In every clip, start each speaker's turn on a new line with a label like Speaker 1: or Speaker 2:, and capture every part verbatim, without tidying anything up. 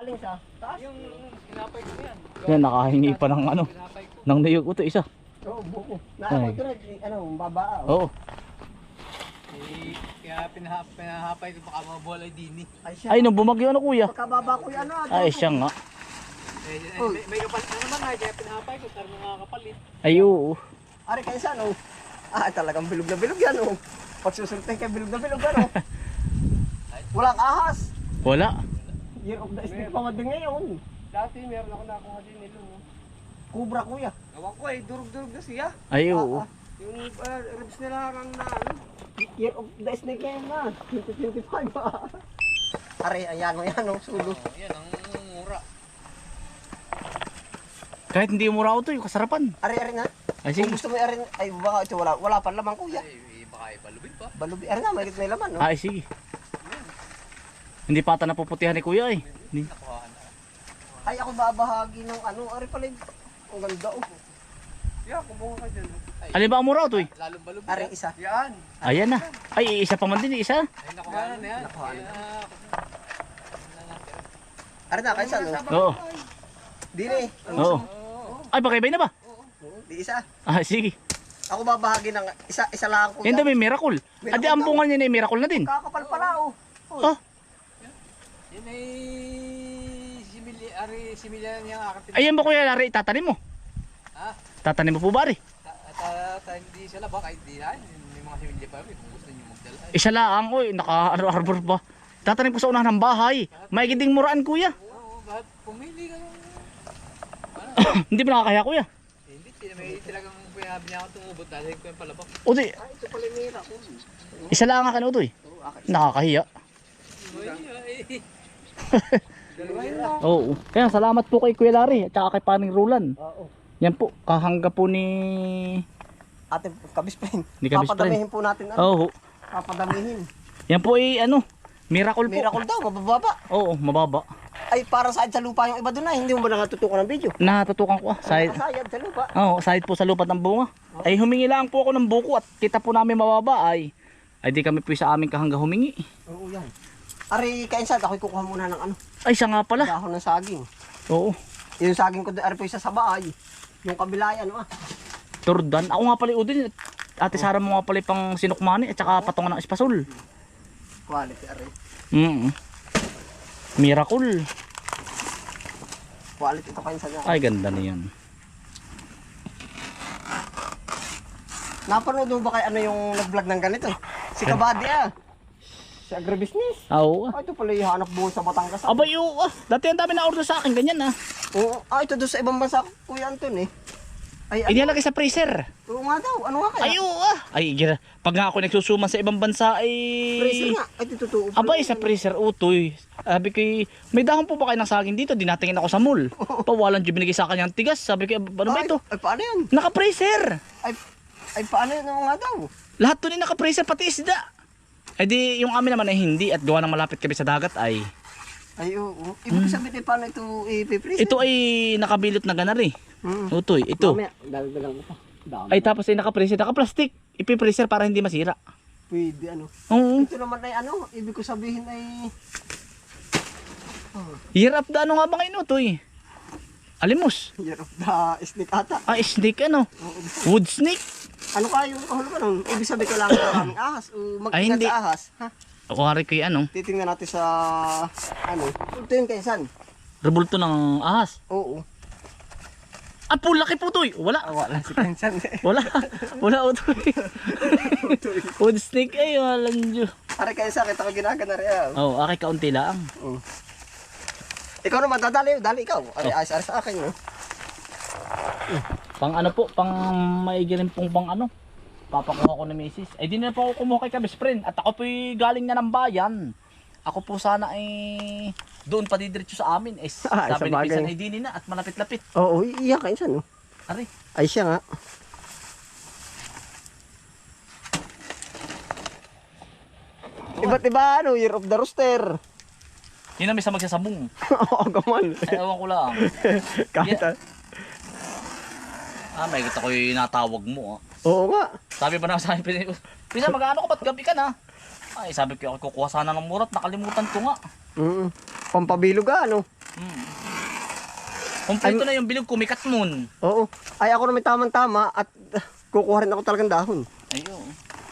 Speaker 1: Aling sa taas.
Speaker 2: Yung tinapay ko yan.
Speaker 3: Yan, nakahingi pa ng ano,
Speaker 2: Tinapay ko.
Speaker 3: ng niyog ito isa.
Speaker 1: Oo, buko. Naako ito na, ano, baba.
Speaker 3: Oo.
Speaker 2: Eh, kaya pinahap, pinahapay ko baka mabola dini.
Speaker 1: Ay siya.
Speaker 3: Ay, nung bumagyo ano kuya.
Speaker 1: Pagkababa ko yan, ano.
Speaker 3: Ay, siya nga.
Speaker 2: Eh, eh, may, may kapalit na naman nga, kaya pinahapay ko, tarong mga kapalit.
Speaker 3: Ay, oo.
Speaker 1: Ari kayo sa, no. Ah, talagang bilog na bilog yan, oh. Pagsusultay kay bilog na bilog, ano. Walang ahas.
Speaker 3: Wala.
Speaker 1: Year of the snake pa nga din ngayon.
Speaker 2: Dati meron ako nakuha din nilo.
Speaker 1: Kubra, kuya.
Speaker 2: Gawan ko eh, durug-durug na siya.
Speaker 3: Ay, oo.
Speaker 1: Ah, ah.
Speaker 2: Yung uh, ribs nila harang na ano.
Speaker 1: Year of the snake ngayon na. twenty twenty-five, ah. Ari, ayan o yan, oh, sulo.
Speaker 2: Oh, yan ang mura.
Speaker 3: Kahit hindi mura ito, yung kasarapan.
Speaker 1: Ari, ari nga.
Speaker 3: Ay,
Speaker 1: Kung
Speaker 3: sige.
Speaker 1: gusto mo ari, ay baka ito wala, wala pa lamang, kuya.
Speaker 2: Ay, baka ibalubin pa.
Speaker 1: Balubi, ari nga, may may laman, no.
Speaker 3: Ay, sige. Hindi pa ata napuputihan ni kuya eh. Ni-
Speaker 2: Nakuha na.
Speaker 1: Ay, ako babahagi ng ano, ari pala yung, ang ganda, oh.
Speaker 2: Yeah, kumuha ka dyan. Ay,
Speaker 3: Alin ba ang mura ito eh?
Speaker 2: lalong balubin.
Speaker 1: Ari, isa.
Speaker 2: Yan.
Speaker 3: Ayan na. Ay, isa pa man din, isa.
Speaker 2: Ay, nakuha na na yan.
Speaker 1: Nakuha na.
Speaker 2: Kaya,
Speaker 1: Ari na, kayo sa, no.
Speaker 3: Oo.
Speaker 1: Dili.
Speaker 3: Oo. Ay, bakaybay na ba?
Speaker 1: Di isa.
Speaker 3: Ah, sige.
Speaker 1: Ako babahagi ng isa, isa lang, kuya.
Speaker 3: Yan daw may miracle. Adi, ang bunga niya na yung miracle na din.
Speaker 1: Kakapal pala, oh.
Speaker 3: Oh,
Speaker 2: Yan ay simili, ari similya niya ang aking
Speaker 3: ayan ba kuya, Lari, tatanim mo?
Speaker 2: Ha?
Speaker 3: Tatanim mo po ba, Ari?
Speaker 2: At hindi sila ba kahit di na, may mga similya pa rin kung gusto niyo magdala. Ay,
Speaker 3: Isa lang, oy, naka-arbor pa. Tatanim ko sa unahan ng bahay. May giding muraan, kuya.
Speaker 2: oo, bakit pumili ka ng...
Speaker 3: Hindi ba nakakaya, kuya?
Speaker 2: Eh, Hindi, sila may talagang pinabi niya ako tumubot dahil ko yung palabak.
Speaker 3: O di,
Speaker 1: Ay, ito pala yung mira, oh.
Speaker 3: isa lang ang akin, Utoy.
Speaker 1: Oo, akin.
Speaker 3: Nakakahiya.
Speaker 2: Ay, ay.
Speaker 3: Oo. Kaya salamat po kay Kuya Lari at saka kay Paning Roland.
Speaker 1: Oo.
Speaker 3: Yan po, kahangga po ni...
Speaker 1: Ate, kabisprin.
Speaker 3: Ni kabisprin.
Speaker 1: Papadamihin po natin, ano.
Speaker 3: Oo.
Speaker 1: Papadamihin.
Speaker 3: Yan po ay ano, miracle po.
Speaker 1: Miracle daw, mabababa.
Speaker 3: Oo, mababa.
Speaker 1: Ay, parang side sa lupa yung iba doon na. Hindi mo ba nakatutukan ng video?
Speaker 3: Natutukan ko ah. Side,
Speaker 1: Sayad sa lupa.
Speaker 3: Oo, side po sa lupat ng bunga. Ay humingi lang po ako ng buko at kita po namin mababa ay ay di kami po sa aming kahangga humingi.
Speaker 1: Oo, yan. Ari, kainsan, ako'y kukuha muna ng ano,
Speaker 3: Ay siya nga pala.
Speaker 1: dahon ng saging.
Speaker 3: Oo.
Speaker 1: Yung saging ko doon, ari po isa sa bahay. Yung kabila yan, ah.
Speaker 3: Turdan. Ako nga pala udin. Ate Sara mo nga pala pang sinukmani at saka patungan ng espasol.
Speaker 1: Quality, ari.
Speaker 3: Mm. Miracle.
Speaker 1: Quality ito kainsan niya.
Speaker 3: Ay ganda na yan.
Speaker 1: Napanood mo ba kay ano yung nag-vlog ng ganito? Si Kabady, ah. Si agribusiness.
Speaker 3: Ah, oo. ah.
Speaker 1: Ah, ito pala yung hanap buhay sa Batangas.
Speaker 3: Abay oo. ah. Dati ang dami na order sa akin ganyan ah.
Speaker 1: Oo. Ah, ito doon sa ibang bansa, Kuya Anton, eh. Ay,
Speaker 3: Ay
Speaker 1: ano?
Speaker 3: nilagay sa freezer.
Speaker 1: Oo nga daw. Ano nga kaya?
Speaker 3: Ay oo ah. Ay gira. Pag nga ako nagsusuman sa ibang bansa ay...
Speaker 1: Freezer nga. Ay, ito totoo.
Speaker 3: Abay sa freezer utoy. Sabi ko, may dahon po ba kayo ng saging dito? Dinatingin ako sa mall. Pawalan dyan binigay sa akin yung tigas. Sabi ko, ano ba
Speaker 1: Ay,
Speaker 3: ito?
Speaker 1: Ay, paano yan?
Speaker 3: Naka-freezer.
Speaker 1: Ay, ay paano yun? Ano nga daw?
Speaker 3: Lahat to ni naka-freezer pati isda. Ay di yung amin naman ay hindi at gawa ng malapit kami sa dagat ay
Speaker 1: Ay, oo. Ibig sabihin, eh, paano ito i-freeze?
Speaker 3: ito ay nakabilot na ganar eh.
Speaker 1: Hmm.
Speaker 3: Utoy, ito.
Speaker 1: Mamaya, dalagang mo pa. Dami.
Speaker 3: Ay tapos ay naka-freezer, naka-plastic. Ipi-freezer para hindi masira.
Speaker 1: Pwede, ano.
Speaker 3: Oo.
Speaker 1: Ito naman ay ano, ibig ko sabihin ay... Oh,
Speaker 3: Hirap da ano nga ba ngayon utoy? Alimos.
Speaker 1: year of the snake ata.
Speaker 3: Ah, snake ano? Wood snake.
Speaker 1: Ano kaya yung kahulugan nun? Ibig sabihin ko lang maraming ahas o
Speaker 3: Ay,
Speaker 1: mag-ingat
Speaker 3: hindi.
Speaker 1: sa ahas. Ha?
Speaker 3: Ako hari ko yung ano,
Speaker 1: Titingnan natin sa... Ano? Ito yun kay San.
Speaker 3: rebulto ng ahas.
Speaker 1: Oo.
Speaker 3: Ah, po laki po utoy. Wala.
Speaker 1: Ah, wala si Kensan.
Speaker 3: Wala. Wala utoy. Wood snake ay walang Diyo.
Speaker 1: Pare kayo sa kita ko ginagana rin. Ah.
Speaker 3: Oh, aki kaunti lang.
Speaker 1: Oo. Ikaw naman, dadali. Dali ikaw. Ari,
Speaker 3: Oh.
Speaker 1: ayos-ayos sa akin. No?
Speaker 3: Pang ano po, pang maigirin pong pang ano. Papakuha ko ni Missus Eh di na po ako kumuha kay best friend. At ako po'y galing na ng bayan. Ako po sana ay doon pa didiretso sa amin. Eh,
Speaker 1: Ah,
Speaker 3: sabi
Speaker 1: sa
Speaker 3: ni
Speaker 1: bagay.
Speaker 3: Pinsan ay dini na at malapit-lapit.
Speaker 1: Oo, iya kayo San. No?
Speaker 3: Ari,
Speaker 1: Ay siya nga. Iba't iba ano, Year of the Rooster.
Speaker 3: yun na may sa magsasabong.
Speaker 1: Oo, gaman.
Speaker 3: Ay, ewan ko lang.
Speaker 1: Kahit
Speaker 3: Yeah. Ah, may kita ko yung natawag mo. Ah.
Speaker 1: Oo nga.
Speaker 3: Sabi ba na sa akin, Pinsan, Pinsan mag-ano ko, ba't gabi ka na? Ay, sabi ko, ako kukuha sana ng murat, nakalimutan ko nga.
Speaker 1: Mm. Pampabilog ah, ano.
Speaker 3: Kompleto na yung bilog, kumikat moon.
Speaker 1: Oo. Ay ako na may tamang-tama at uh, kukuha rin ako talagang dahon.
Speaker 3: Ayun.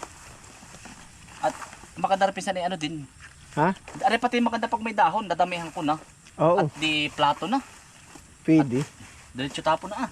Speaker 3: At makadarpisan ay ano din.
Speaker 1: Ha?
Speaker 3: Are pati maganda pag may dahon, dadamihan ko na.
Speaker 1: Oo.
Speaker 3: At di plato na.
Speaker 1: Pwede.
Speaker 3: Diretso tapo na ah.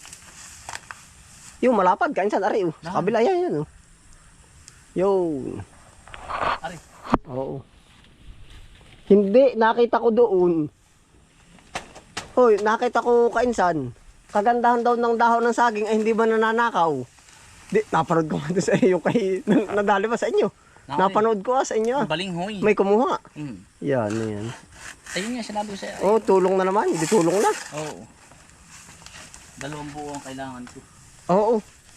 Speaker 1: Yung malapad, kain saan, ari, oh. Sa
Speaker 3: Nahan.
Speaker 1: kabila yan, yan, oh. Yun.
Speaker 3: Are.
Speaker 1: Oo. Hindi, nakita ko doon. Hoy, nakita ko kainsan. Kagandahan daw ng dahon ng saging ay hindi ba nananakaw? Di, napanood ko nga doon sa iyo kay, na- nadali ba sa inyo?
Speaker 3: Nakay.
Speaker 1: Napanood ko ah, sa inyo. ah.
Speaker 3: Balinghoy.
Speaker 1: May kumuha.
Speaker 3: Mm.
Speaker 1: Yan, yan.
Speaker 3: Ayun nga sinabi ko sa'yo.
Speaker 1: Oh, tulong na naman. Hindi tulong na.
Speaker 3: Oo. Dalawang buo ang kailangan ko.
Speaker 1: Oo.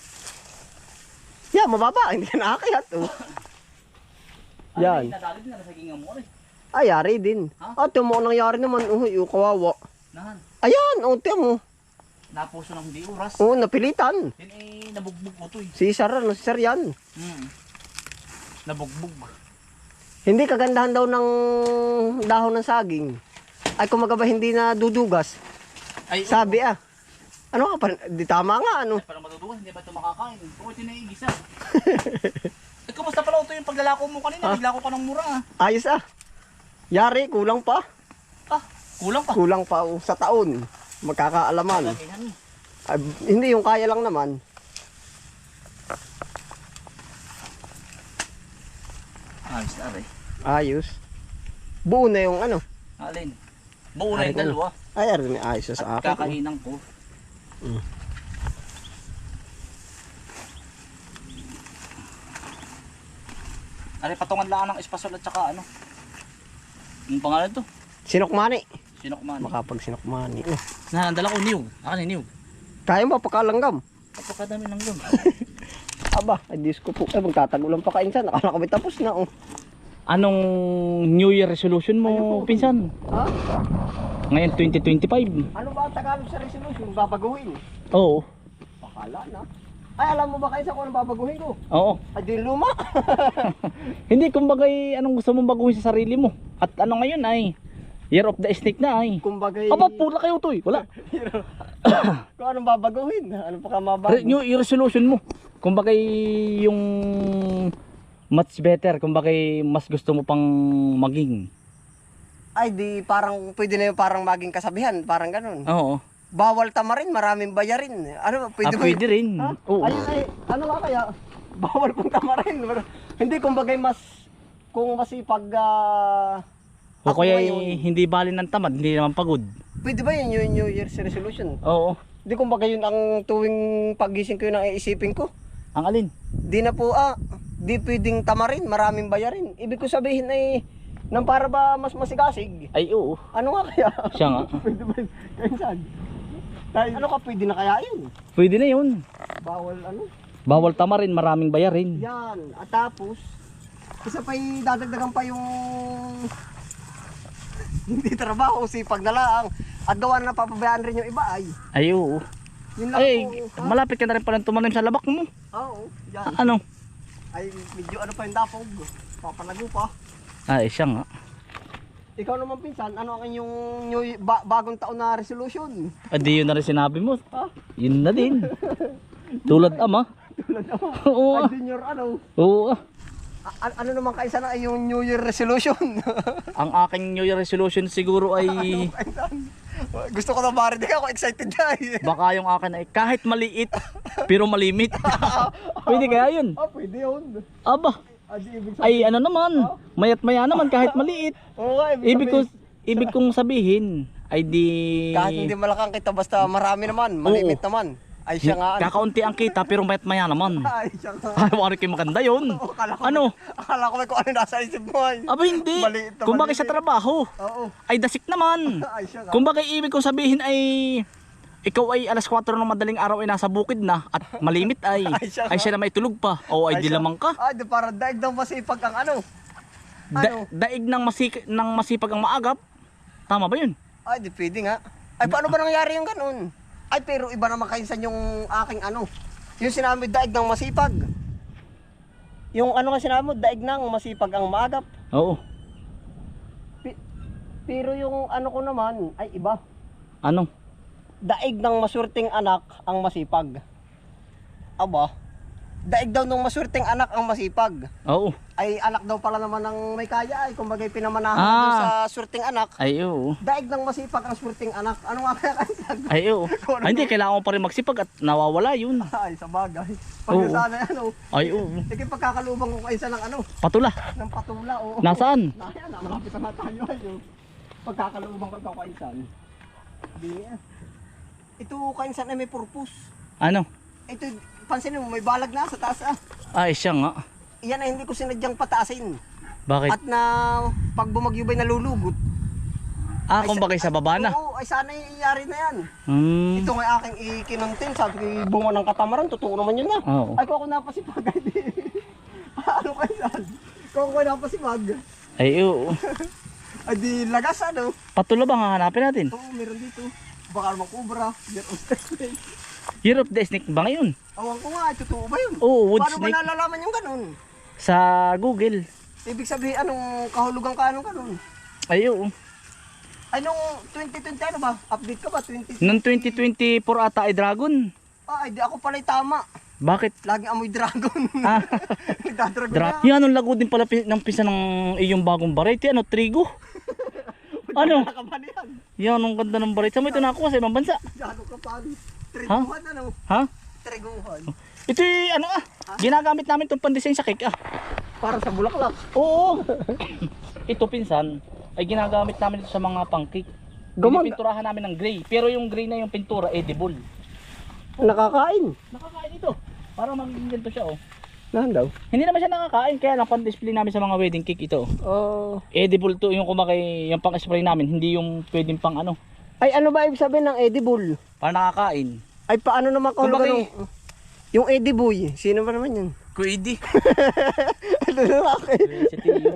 Speaker 1: Yan, mababa. Hindi ka nakakayat. Oh. Yan.
Speaker 3: Ay, nadali din na nasagingan mo rin.
Speaker 1: Ay, yari din.
Speaker 3: Ha?
Speaker 1: Ah, timo nangyari naman. Oh, yung kawawa.
Speaker 3: Nahan.
Speaker 1: Ayan, oh, tiyan mo.
Speaker 3: Napuso ng hindi oras.
Speaker 1: Oh, napilitan.
Speaker 3: Din eh, nabugbog ko to eh.
Speaker 1: Si Sir, ano, si Sir yan.
Speaker 3: Hmm. Nabugbog.
Speaker 1: Hindi kagandahan daw ng dahon ng saging. Ay kumaga ba hindi na dudugas?
Speaker 3: Ay,
Speaker 1: Sabi ah. Ano ka pa? Di tama nga ano.
Speaker 3: Ay, parang matutuwa, hindi ba ito makakain? Kung ito naiigisa. Eh, kumusta pala ito yung paglalako mo kanina?
Speaker 1: Ha?
Speaker 3: Naglako ka ng mura ah.
Speaker 1: Ayos ah. Yari, kulang pa.
Speaker 3: Ah, kulang pa.
Speaker 1: Kulang pa oh, sa taon. Magkakaalaman.
Speaker 3: Damihan mo.
Speaker 1: Ay, hindi yung kaya lang naman.
Speaker 3: Ayos na rin.
Speaker 1: Ayos. Buo na yung ano.
Speaker 3: Alin? Buo na yung
Speaker 1: Ay,
Speaker 3: dalawa.
Speaker 1: Ay, arin, ayos na sa
Speaker 3: At
Speaker 1: akin.
Speaker 3: kakainang ko.
Speaker 1: Mm.
Speaker 3: Ari, patungan lang ng espasol at saka ano. Yung pangalan to?
Speaker 1: Sinokmani.
Speaker 3: Sinokman.
Speaker 1: Makapag sinokmani. Oh.
Speaker 3: Na, dala ko niyog. Akin yung niyog.
Speaker 1: Kaya mo pakalanggam.
Speaker 3: Napakadami ng yun.
Speaker 1: Aba, ay Diyos ko po. Ay, magtatagulan pa kainsan. Akala ko may tapos na oh.
Speaker 3: Anong New Year resolution mo,
Speaker 1: Ayun po.
Speaker 3: pinsan?
Speaker 1: Ha?
Speaker 3: Ngayon twenty twenty-five.
Speaker 1: Ano ba ang Tagalog sa resolution? Babaguhin.
Speaker 3: Oo.
Speaker 1: Pakala na. Ay, alam mo ba kayo sa kung anong babaguhin ko?
Speaker 3: Oo.
Speaker 1: Ay, di luma.
Speaker 3: Hindi, kumbaga anong gusto mong baguhin sa sarili mo. At ano ngayon ay, Year of the Snake na ay.
Speaker 1: Kumbaga,
Speaker 3: Aba, pula kayo to eh. Wala.
Speaker 1: kung anong babaguhin. Ano pa ka mabago?
Speaker 3: Re- New Year resolution mo. Kumbaga yung much better. Kumbaga mas gusto mo pang maging.
Speaker 1: Ay, di parang pwede na yung parang maging kasabihan. Parang ganun.
Speaker 3: Oo.
Speaker 1: Bawal tamarin, maraming bayarin. Ano, pwede
Speaker 3: Ah,
Speaker 1: ba?
Speaker 3: pwede rin.
Speaker 1: Ha?
Speaker 3: Oo.
Speaker 1: Ay, ay, ano nga kaya? Bawal kung tamarin. Hindi, kumbaga mas, kung masipag, ah,
Speaker 3: O
Speaker 1: ako
Speaker 3: kaya
Speaker 1: ngayon,
Speaker 3: hindi bali ng tamad, hindi naman pagod.
Speaker 1: pwede ba yun yung New Year's resolution?
Speaker 3: Oo.
Speaker 1: Hindi, kumbaga yun ang tuwing pagising ko yun ang iisipin ko.
Speaker 3: Ang alin?
Speaker 1: Di na po ah, di pwedeng tamarin, maraming bayarin. Ibig ko sabihin ay, nang para ba mas masigasig?
Speaker 3: Ay oo.
Speaker 1: Ano nga kaya?
Speaker 3: Siya nga.
Speaker 1: Pwede ba yun? Kainsan? Ano ka pwede na kaya yun?
Speaker 3: Pwede na yun.
Speaker 1: Bawal ano?
Speaker 3: Bawal tamarin, maraming bayarin.
Speaker 1: Yan. At tapos, isa pa yung dadagdagan pa yung hindi trabaho, sipag na lang. At gawa na napapabayaan rin yung iba ay.
Speaker 3: Ay oo.
Speaker 1: Yun lang
Speaker 3: Ay,
Speaker 1: po. Ha?
Speaker 3: malapit ka na rin pala tumanim sa labak mo.
Speaker 1: Oo, yan.
Speaker 3: A- Ano?
Speaker 1: Ay, medyo ano pa yung dapog. Papalago pa.
Speaker 3: Ay, siya nga.
Speaker 1: Ikaw naman pinsan, ano ang inyong new, ba, bagong taon na resolution?
Speaker 3: Adi yun na rin sinabi mo.
Speaker 1: Ha?
Speaker 3: Yun na din. Tulad ama.
Speaker 1: Tulad ako.
Speaker 3: Oo.
Speaker 1: Ay,
Speaker 3: ah.
Speaker 1: junior ano?
Speaker 3: Oo. ah.
Speaker 1: A- ano naman kaisa na ay yung New Year resolution?
Speaker 3: Ang aking New Year resolution siguro ay
Speaker 1: Pinsan, gusto ko na marinig ako, excited na eh.
Speaker 3: baka yung akin ay kahit maliit pero malimit. Pwede kaya yun?
Speaker 1: Ah, pwede yun.
Speaker 3: Aba.
Speaker 1: Ah, di ibig sabihin.
Speaker 3: Ay ano naman. Mayat maya naman kahit maliit.
Speaker 1: Oo nga,
Speaker 3: Ibig ko
Speaker 1: sabihin,
Speaker 3: ibig kong sabihin ay di
Speaker 1: kahit hindi malakang kita, basta marami naman, malimit naman. Ay siya nga. ano.
Speaker 3: kakaunti ang kita pero mayat maya naman.
Speaker 1: Ay siya nga.
Speaker 3: Ay, wari kayo maganda yun.
Speaker 1: Oo, akala ko,
Speaker 3: Ano?
Speaker 1: Akala ko may kung ano nasa isip mo ay.
Speaker 3: Aba hindi.
Speaker 1: Maliit na
Speaker 3: Kung bakit sa
Speaker 1: maliit.
Speaker 3: trabaho,
Speaker 1: Oo.
Speaker 3: ay dasik naman.
Speaker 1: Ay siya nga.
Speaker 3: Kung bakit ibig kong sabihin ay ikaw ay alas kwatro ng madaling araw ay nasa bukid na at malimit ay
Speaker 1: Ay, siya
Speaker 3: ay
Speaker 1: nga.
Speaker 3: siya na may tulog pa. O ay, di
Speaker 1: siya-
Speaker 3: lamang ka.
Speaker 1: Ay, di para daig daw masipag ang ano.
Speaker 3: Da-
Speaker 1: Ano?
Speaker 3: daig ng, masik ng masipag ang maagap. Tama ba yun?
Speaker 1: Ay, di pwede nga. Ay, paano ba nangyari yung ganun? Ay, pero iba naman kainsan yung aking ano. Yung sinabi, daig ng masipag. Yung ano nga sinabi mo, daig ng masipag ang maagap.
Speaker 3: Oo.
Speaker 1: Pi- pero yung ano ko naman, ay iba.
Speaker 3: Ano?
Speaker 1: daig ng maswerteng anak ang masipag. Aba, daig daw ng maswerteng anak ang masipag.
Speaker 3: Oo.
Speaker 1: Ay anak daw pala naman ng may kaya ay kumbagay pinamanahan
Speaker 3: Ah.
Speaker 1: doon sa swerteng anak.
Speaker 3: Ay, oo.
Speaker 1: Daig ng masipag ang swerteng anak. Ano nga kaya kainsan?
Speaker 3: Ay, oo. Ay, hindi, kailangan ko pa rin magsipag at nawawala yun.
Speaker 1: Ay, sa bagay. Pag
Speaker 3: Oo.
Speaker 1: sana ano,
Speaker 3: Ay, oo.
Speaker 1: sige pagkakalubang ko kainsan ng ano,
Speaker 3: Patula.
Speaker 1: ng patula o.
Speaker 3: Nasaan?
Speaker 1: Naya na, malapit na tayo ay oh. Pagkakalubang ko ikaw kainsan. Di yan. Ito kainsan ay may purpose.
Speaker 3: Ano?
Speaker 1: Ito, pansinin mo, may balag na sa taas ah.
Speaker 3: Ay, siya nga.
Speaker 1: Yan ay hindi ko sinadyang pataasin.
Speaker 3: Bakit?
Speaker 1: At na pag bumagyo ba'y nalulugot.
Speaker 3: Ah, kung bagay sa baba na.
Speaker 1: Oo, ay sana iyari na yan.
Speaker 3: Hmm.
Speaker 1: Ito nga aking ikinantin, sabi ko bunga ng katamaran, totoo naman yun na.
Speaker 3: Oo.
Speaker 1: Ay kung ako napasipag, ay di. Ano kayo saan? Kung ako napasipag,
Speaker 3: Ay, oo.
Speaker 1: ay di lagas ano.
Speaker 3: Patula ba nga hanapin natin?
Speaker 1: Oo, meron dito. Baka naman kubra, year of snake.
Speaker 3: Year of the Snake ba ngayon?
Speaker 1: Awan ko nga, ay totoo ba yun?
Speaker 3: Oo, wood
Speaker 1: Paano ba
Speaker 3: snake.
Speaker 1: nalalaman yung ganun?
Speaker 3: Sa Google.
Speaker 1: Ibig sabihin, anong kahulugan ka, anong ganun?
Speaker 3: Ay, oo.
Speaker 1: Ay, nung twenty twenty ano ba? Update ka ba? twenty
Speaker 3: Noong twenty twenty-four ata ay Dragon.
Speaker 1: Ah, ay, di ako pala'y tama.
Speaker 3: Bakit?
Speaker 1: Laging amoy dragon.
Speaker 3: Ah.
Speaker 1: Nagdadragon
Speaker 3: Dra
Speaker 1: na.
Speaker 3: Yan, anong lago din pala pi- ng pisa ng iyong bagong variety. Ano, trigo? Ano?
Speaker 1: Nakabali yan.
Speaker 3: Yan, ang ganda ng variety. Saan mo ito nakuha sa ibang bansa?
Speaker 1: Gano'n ka pa. Triguhan ano?
Speaker 3: Ha?
Speaker 1: Triguhan.
Speaker 3: Ito ano ah, ginagamit namin itong pandesign sa cake ah.
Speaker 1: Para sa bulaklak.
Speaker 3: Oo. Ito pinsan, ay ginagamit namin ito sa mga pang-cake.
Speaker 1: Gumag-
Speaker 3: Pinipinturahan namin ng gray. Pero yung gray na yung pintura, edible.
Speaker 1: Nakakain.
Speaker 3: Nakakain ito. Para magiging ganito siya oh.
Speaker 1: Nahan daw?
Speaker 3: Hindi naman siya nakakain, kaya lang pan-display namin sa mga wedding cake ito.
Speaker 1: Oh.
Speaker 3: Edible to, yung kumakay, yung pang-spray namin, hindi yung pwedeng pang ano.
Speaker 1: Ay, ano ba ibig sabihin ng edible?
Speaker 3: Para nakakain.
Speaker 1: Ay, paano naman kahulugan
Speaker 3: Kumbaga,
Speaker 1: ng... Yung ediboy. Sino ba naman yun?
Speaker 3: Kuidi.
Speaker 1: Ano na akin?
Speaker 3: Si Tiyo.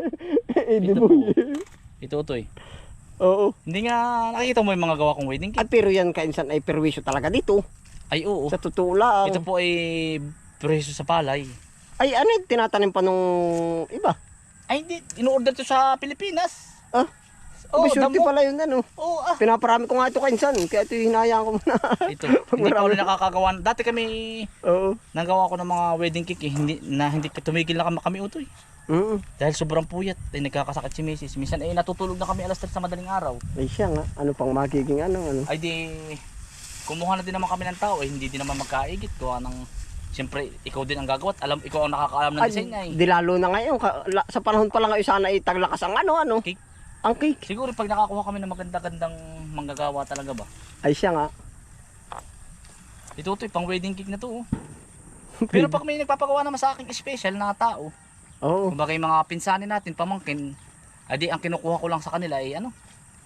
Speaker 1: Ediboy.
Speaker 3: Ito to eh.
Speaker 1: Oo.
Speaker 3: Hindi nga nakikita mo yung mga gawa kong wedding cake.
Speaker 1: At pero yan kainsan ay perwisyo talaga dito.
Speaker 3: Ay oo.
Speaker 1: Sa totoo lang.
Speaker 3: Ito po ay preso sa palay.
Speaker 1: Ay, ano yung tinatanim pa nung iba?
Speaker 3: Ay hindi, in-order to sa Pilipinas.
Speaker 1: Ah?
Speaker 3: Oo,
Speaker 1: Oh, surety
Speaker 3: damo.
Speaker 1: pala yun ano.
Speaker 3: Oo ah.
Speaker 1: Pinaparami ko nga ito kainsan. Kaya ito hinayaan ko muna.
Speaker 3: Ito, hindi pa ulit nakakagawa. Dati kami,
Speaker 1: Oo.
Speaker 3: nagawa ko ng mga wedding cake eh, hindi, na hindi tumigil na kami, kami utoy.
Speaker 1: Mm.
Speaker 3: Dahil sobrang puyat, ay nagkakasakit si Missus Minsan ay natutulog na kami alas tres sa madaling araw.
Speaker 1: Ay siya nga. Ano pang magiging ano ano.
Speaker 3: Ay di, kumuha na din naman kami ng tao, eh, hindi din naman magkaigit. Gawa ng, siyempre, ikaw din ang gagawa at alam, ikaw ang nakakaalam ng
Speaker 1: Ay,
Speaker 3: design ay.
Speaker 1: di lalo na ngayon. ka- la- Sa panahon pa lang ngayon sana itaglakas ang ano ano.
Speaker 3: Cake.
Speaker 1: Ang cake.
Speaker 3: Siguro pag nakakuha kami ng maganda-gandang manggagawa talaga ba?
Speaker 1: Ay siya nga.
Speaker 3: Ito to, pang wedding cake na to. Oh. Pero pag may nagpapagawa naman sa akin special na tao,
Speaker 1: Oo.
Speaker 3: kumbaga yung mga pinsanin natin, pamangkin, adi ang kinukuha ko lang sa kanila ay ano,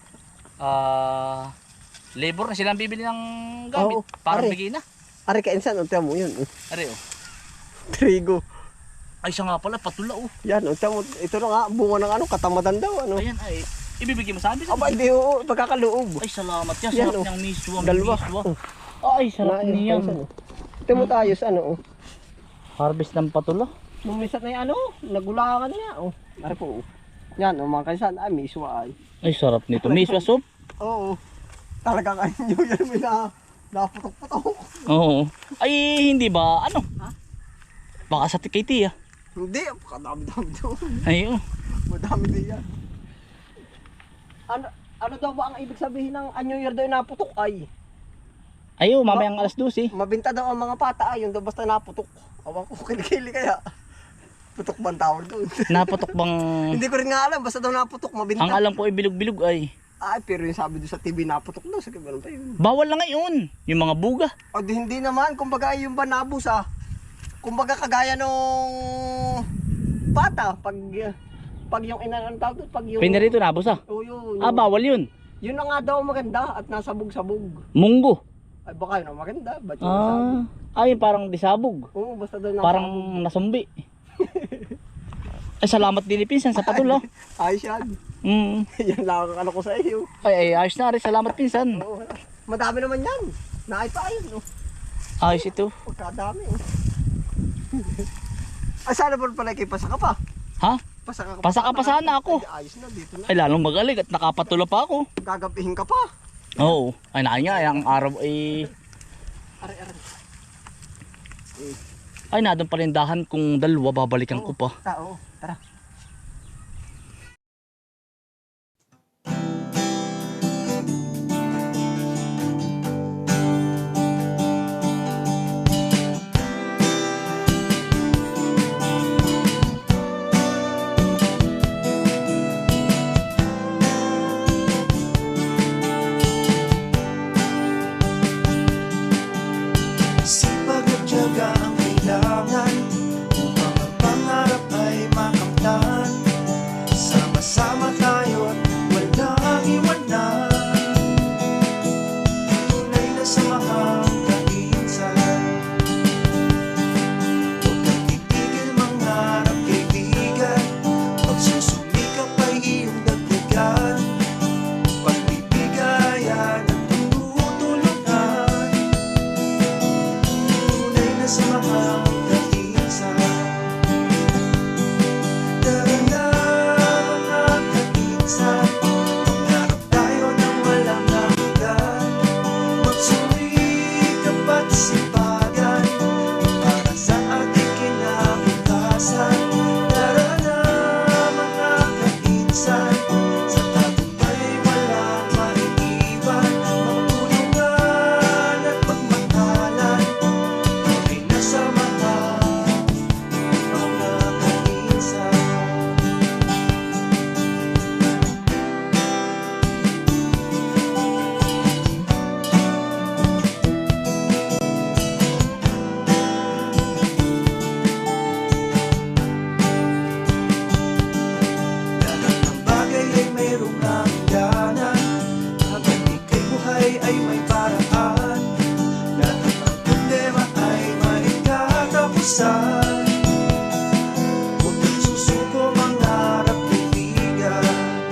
Speaker 3: ah, labor na silang bibili ng gamit,
Speaker 1: Oo,
Speaker 3: para
Speaker 1: are.
Speaker 3: bigay na.
Speaker 1: Ari kainsan. Unta mo yun. oh.
Speaker 3: Are oh.
Speaker 1: Trigo.
Speaker 3: Ay siya nga pala, patula oh.
Speaker 1: Yan. Unta mo. Ito na nga. Bunga ng ano. Katamadan daw. Ano.
Speaker 3: Ayan ay, ibibigay mo sa amin.
Speaker 1: Aba hindi oo. Pagkakaloob.
Speaker 3: Ay salamat yan,
Speaker 1: Yan,
Speaker 3: sarap
Speaker 1: oh.
Speaker 3: niyang miswa,
Speaker 1: Dalawa.
Speaker 3: miswa.
Speaker 1: Oh.
Speaker 3: Ay sarap
Speaker 1: Naayos,
Speaker 3: niyan.
Speaker 1: kainsan, oh. Ito mo tayo sa ano. Oh.
Speaker 3: Harvest ng patula.
Speaker 1: Nung minsan na ano. Nagulangan niya. Oh. Ari po. Oh. Yan. Oh, mga kainsan. Ay miswa ay.
Speaker 3: Ay sarap nito, miswa soup.
Speaker 1: Oo. Talaga kayo nyo yan. May na. Naputok-putok.
Speaker 3: Oo. Ay hindi ba, ano?
Speaker 1: Ha?
Speaker 3: Baka sa K T ah.
Speaker 1: Hindi. Kadami-dami doon.
Speaker 3: Ay oh.
Speaker 1: Madami din yan. Ano, ano daw ba ang ibig sabihin ng anyo year daw yung naputok ay?
Speaker 3: Ay oh, mamayang alas dose.
Speaker 1: Mabinta daw ang mga pata ay, yung daw basta naputok. Awan ko, kilikili kaya. Putok ba ang tawag doon?
Speaker 3: Naputok bang...
Speaker 1: Hindi ko rin nga alam, basta daw naputok, mabinta.
Speaker 3: Ang alam ko ay bilog-bilog ay.
Speaker 1: Ay, pero yung sabi doon sa T V naputok daw, sa ganun pa yun.
Speaker 3: Bawal na ngayon. Yung mga buga.
Speaker 1: O di hindi naman, kumbaga yung banabos ah. Kumbaga kagaya nung pata, pag pag yung ina ang tawag doon, pag yung...
Speaker 3: Pinarito na boss ah.
Speaker 1: Oo, yun.
Speaker 3: Ah, bawal yun.
Speaker 1: Yun na nga daw maganda at nasabog-sabog.
Speaker 3: Munggo.
Speaker 1: Ay baka yun ang maganda, ba't yung nasabog?
Speaker 3: Ah, ay parang disabog.
Speaker 1: Oo, basta daw
Speaker 3: Parang
Speaker 1: nasabog.
Speaker 3: nasumbi. Ay, salamat din ni Pinsan sa patula.
Speaker 1: Ayos yan.
Speaker 3: Mm.
Speaker 1: Yan lang ang ano ko sa iyo.
Speaker 3: Ay, ay, ayos na rin. Salamat Pinsan.
Speaker 1: Oo, madami naman yan. Naay pa ayun, no?
Speaker 3: Ayos ito.
Speaker 1: Pagkadami, oh. Ay, sana ba pala kay pasaka pa?
Speaker 3: Ha?
Speaker 1: Pasaka ka
Speaker 3: Pasaka pa sana ako.
Speaker 1: Ay, ayos na, dito na.
Speaker 3: Ay, lalong magaling at nakapatula pa ako.
Speaker 1: Gagapihin ka pa.
Speaker 3: Oo. Ay naay nga, ang araw ay...
Speaker 2: Are, are.
Speaker 3: Ay na, doon palindahan kung dalawa, babalikan ko pa.
Speaker 2: Tao, tara.
Speaker 4: Sipag at tiyaga ang kailangan upang ang pangarap ay makamtan. Sama-sama tayo't walang iwanan. Tunay na samahang kainsan. Huwag kang titigil mangarap, kaibigan. Pagsusumikap ay iyong dagdagan. Pagbibigayan at tutulungan. Tunay na samahang kainsan. Tara na mga kainsan, mangarap tayo ng walang hanggan. Magsumikap at sipagan para sa ating kinabukasan. Tara na mga kainsan, sa tagumpay walang maiiwan. Magtulungan at magmatalan, tunay na samahang mga kainsan. Lahat ng bagay ay mayroong hangganan. Habang ika'y buhay ay may paraan. Lahat ng problema ay may katapusan. Huwag kang susuko, mangarap, kaibigan.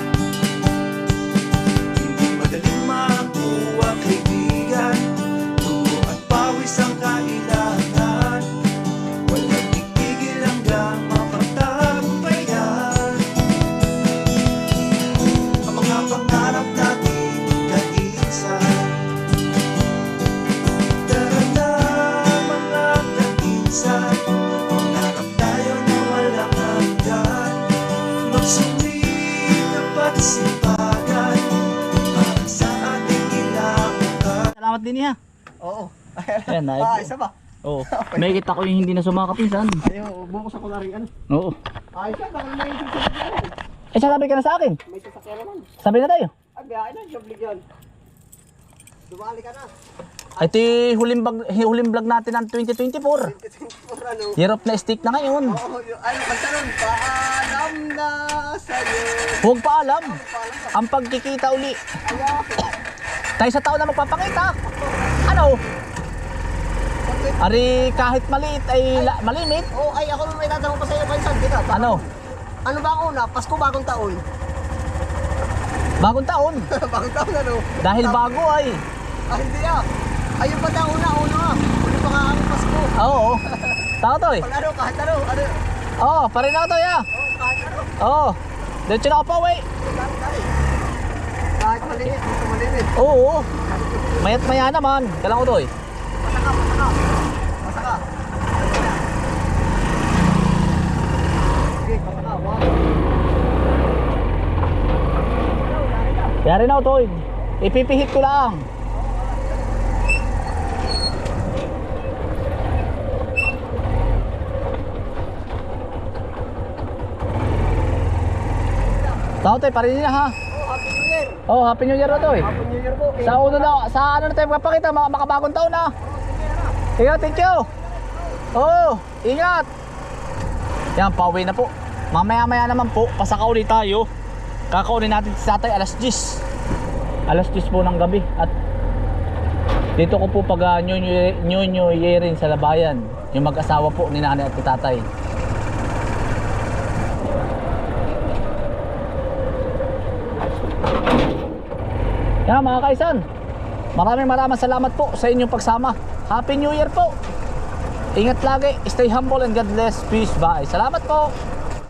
Speaker 4: Hindi madaling makuha, kaibigan. Dugo at pawis ang kailangan. Walang titigil hanggang mapagtagumpayan ang mga pangarap natin, kainsan. Tara na mga kainsan, mangarap tayo na walang hanggan. Magsumikap at sipagan para sa ating kinabukasan.
Speaker 3: Salamat din niya.
Speaker 1: Oo.
Speaker 3: Ayan, na.
Speaker 1: Ah, isa ba?
Speaker 3: Oo. May kita ko yung hindi na sumakapinsan.
Speaker 1: Ayaw, bukos ako na rin ano.
Speaker 3: Oo.
Speaker 1: Ay, siya, baka may sasakyan.
Speaker 3: Eh, sabi ka na sa akin.
Speaker 1: May sasakyan naman.
Speaker 3: Sabi na tayo.
Speaker 1: Ay, biyahe na, joblig yan. Dumali ka na.
Speaker 3: Ay, ito yung huling, bag, huling vlog natin ng twenty twenty-four.
Speaker 1: twenty-four ano.
Speaker 3: Year of na stick na ngayon.
Speaker 1: Oo, yung- ano, kanta nun, paalam na sa'yo.
Speaker 3: Huwag pa alam.
Speaker 1: Paalam ka.
Speaker 3: Ang pagkikita uli.
Speaker 1: Ayaw.
Speaker 3: Tayo sa tao na magpapakita. Ano? Ari kahit maliit ay la, malimit.
Speaker 1: Oh, ay, ako may tatanong pa sa'yo, Kaisan, kita. Baka-
Speaker 3: Ano?
Speaker 1: Ano ba ang una? Pasko, bagong taon.
Speaker 3: Bagong taon.
Speaker 1: Bagong taon ano?
Speaker 3: Dahil bago ay.
Speaker 1: Ah, hindi ah. Ayun pa taon na, una nga. Uli pa nga ang Pasko.
Speaker 3: Oo. Tao to eh.
Speaker 1: Pag ano, kahit ano, ano.
Speaker 3: Oo, pare na to ya.
Speaker 1: Oh, kahit ano.
Speaker 3: Oo. Diretso na ako pa, wey.
Speaker 1: Kahit, kahit. Kahit maliit, gusto maliit.
Speaker 3: Oo. Mayat maya naman. Kailangan ko to eh.
Speaker 1: Pasaka, pasaka. Pasaka. Sige, pasaka. Wow.
Speaker 3: Yari na to eh. Ipipihit ko lang. Tao to eh, pare na ha.
Speaker 1: Oh, Happy New Year.
Speaker 3: Oh, happy new year na to eh.
Speaker 1: Happy New Year po.
Speaker 3: Sa uno na, sa ano na tayo magpapakita, mga makabagong taon na. Sige, thank you. Oo, ingat. Yan, pauwi na po. Mamaya-maya naman po, pasaka ulit tayo. Kakauli natin si tatay alas diyes. Alas diyes po ng gabi. At dito ko po pag uh, new, new, new, new year rin sa Labayan. Yung mag-asawa po ni nanay at ni tatay. Yan mga kaisan, maraming maraming salamat po sa inyong pagsama. Happy New Year po. Ingat lagi, stay humble and God bless. Peace, bye. Salamat po.